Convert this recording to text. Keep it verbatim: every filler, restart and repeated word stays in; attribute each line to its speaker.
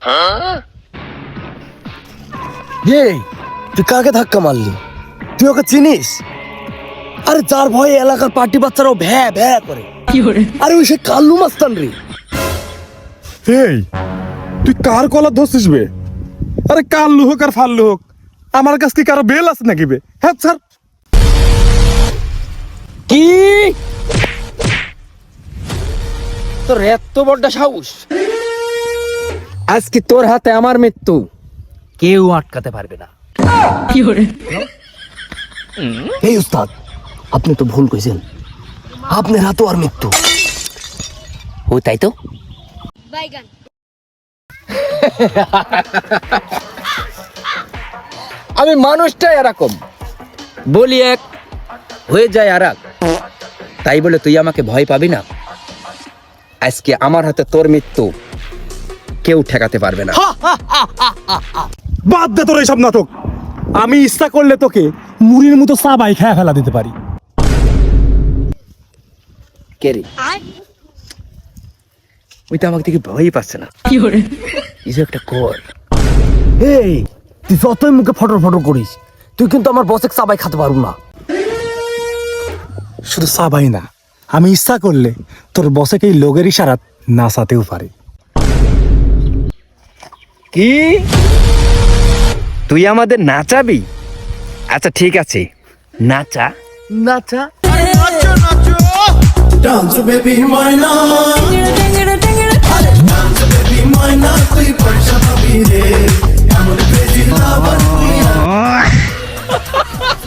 Speaker 1: এই তুই কাকে ধাক্কা মারলি? তুই ওকে চিনিস? আরে যার ভয়ে এলাকার পার্টি বাচ্চারাও ভ্যা ভ্যা করে। আরে ওই সে কাল্লু মাস্তান রে।
Speaker 2: এই তুই কার কলার ধরছিস বে? আরে কাল্লু হোক আর ফাল্লু হোক, আমার কাছ কি কারো বেল আছে নাকি বে? হ্যাঁ স্যার।
Speaker 1: কি তোর এত বড় সাহস? আজকে তোর হাতে আমার মৃত্যু কেউ আটকাতে পারবে না। এই উস্তাদ, আপনি তো ভুল কইছেন, আপনার হাতে আর মৃত্যু। ও তাই তো। আমি মানুষটাই এরকম, বলি এক হয়ে যায় আর এক। তাই বলে তুই আমাকে ভয় পাবি না। আজকে আমার হাতে তোর মৃত্যু কেউ ঠেকাতে পারবে না।
Speaker 2: বাদ দে তোর এইসব নাটক। আমি ইচ্ছা করলে তোকে মুড়ির মতো চাবাই খেয়ে ফেলা দিতে পারি।
Speaker 1: কে রে? ওই তো আমাকে দেখে ভয়ই পাচ্ছে না। কিছু একটা কর। এই তুই যতই মুখে ফটর ফটর করিস, তুই কিন্তু আমার বসে চাবাই খেতে পারবো না।
Speaker 2: শুধু চাবাই না, আমি ইচ্ছা করলে তোর বসেকে এই লোকের ইশারাত নাচাতেও পারি।
Speaker 1: কি তুই আমাদের নাচাবি? আচ্ছা ঠিক আছে, নাচা নাচা।
Speaker 3: Dance baby moina, dance baby moina, tui parsha bhi re, amar crazy lover tui.